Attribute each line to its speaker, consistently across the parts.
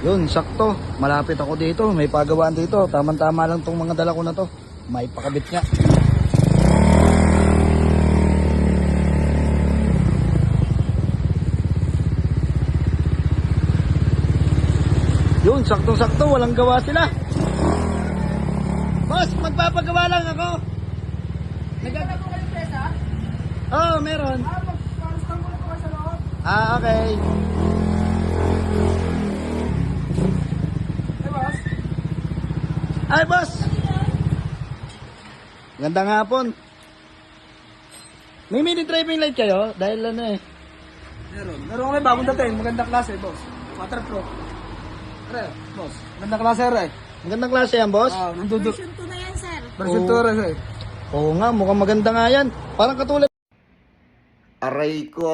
Speaker 1: Yun, sakto. Malapit ako dito. May pagawaan dito. Tama-tama lang tong mga dala ko na to. May pakabit nga. Yun, sakto-sakto. Walang gawa sila. Boss, magpapagawa lang ako. Oo, meron. Okay. Ay, boss. Gandang hapon. May mini driving light kayo? Dahil ano eh.
Speaker 2: Meron kami bagong dating, magandang klase, boss. Waterproof. Are, boss. Magandang klase, are.
Speaker 1: Magandang klase yan, boss?
Speaker 2: Nanduduk.
Speaker 3: Version 2 na yan, sir.
Speaker 2: Version 2, are, eh.
Speaker 1: Oo nga, mukhang maganda nga yan. Parang katulad. Aray ko.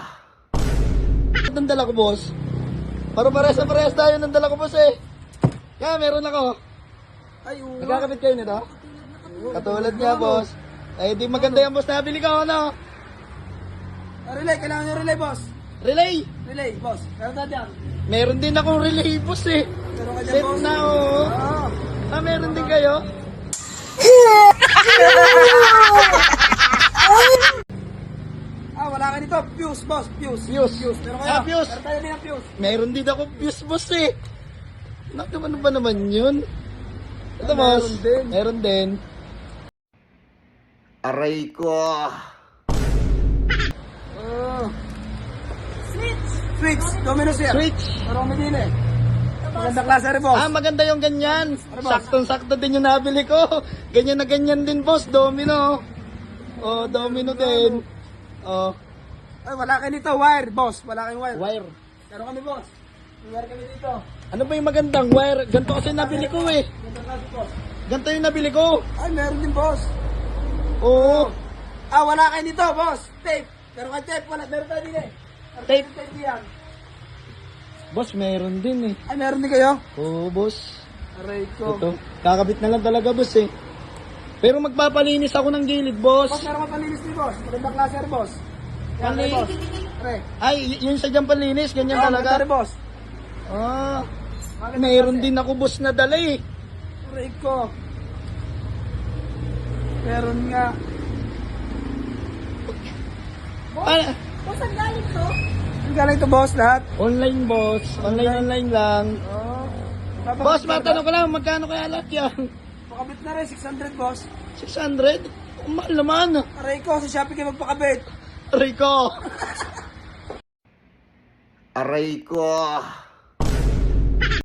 Speaker 1: Ang dala ko, boss. Para parehas tayo ng dala ko, boss eh. Kaya meron ako.
Speaker 2: Ay,
Speaker 1: Nagkakabit kayo nito? Katulad niya, boss. Eh, di maganda yan, boss. Nabili ko, ano?
Speaker 2: Relay, kailangan nyo relay, boss.
Speaker 1: Relay.
Speaker 2: Relay, boss. Meron na dyan.
Speaker 1: Meron din akong relay, boss eh.
Speaker 2: Meron ka dyan,
Speaker 1: Set
Speaker 2: boss.
Speaker 1: na, oo. Meron din kayo?
Speaker 2: Wala ka nito. Fuse, boss. Fuse.
Speaker 1: Fuse.
Speaker 2: Meron kayo.
Speaker 1: Fuse.
Speaker 2: Meron tayo din ang fuse.
Speaker 1: Meron din ako fuse, boss eh. Naku, ano ba naman yun? Ito, boss.
Speaker 2: Meron din.
Speaker 1: Meron din. Aray ko.
Speaker 2: Switch. Domino siya.
Speaker 1: Switch.
Speaker 2: Meron kami din eh. Magandang klase, are, boss.
Speaker 1: Maganda yung ganyan.
Speaker 2: Ano, boss?
Speaker 1: Saktong-sakto din yung nabili ko. Ganyan na ganyan din, boss. Domino. Oh, domino din. Oh,
Speaker 2: Ay, wala kayo nito. Wire, boss. Wala kayong wire.
Speaker 1: wire.
Speaker 2: Meron kami, boss. May wire kami dito.
Speaker 1: Ano ba yung magandang wire? Ganito kasi nabili ko eh.
Speaker 2: Magandang klase, boss.
Speaker 1: Ganito yung nabili ko.
Speaker 2: Ay, meron din, boss.
Speaker 1: Oo.
Speaker 2: Wala kayo nito, boss. Tape. Meron kayo tape. Wala. Meron tayo din eh. Meron
Speaker 1: Tape.
Speaker 2: tayo Tape yan.
Speaker 1: Boss, meron din eh.
Speaker 2: Ay, meron din kayo?
Speaker 1: Oo, boss.
Speaker 2: Aray ko.
Speaker 1: Ito. Kakabit na lang talaga, boss eh. Pero magpapalinis ako ng gilid, boss.
Speaker 2: Boss, meron ka palinis ni boss. Magandang klase, are, boss. Yan,
Speaker 1: Pali-
Speaker 2: boss. Are.
Speaker 1: Ay, yung sa dyan palinis, ganyan
Speaker 2: Maganda,
Speaker 1: talaga.
Speaker 2: are, boss.
Speaker 1: Meron din ako, boss, na dala eh.
Speaker 2: Aray ko. Meron nga.
Speaker 3: Boss, ang galing to?
Speaker 2: Ang galing to, boss, lahat.
Speaker 1: Online, boss. Online lang. Boss,
Speaker 2: Papakabit
Speaker 1: matanong ko lang, magkano kaya lahat yan?
Speaker 2: Pakabit na rin, 600, boss.
Speaker 1: 600? Mahal naman.
Speaker 2: Aray ko, sa Shopee kayo magpakabit.
Speaker 1: Aray ko. Aray ko.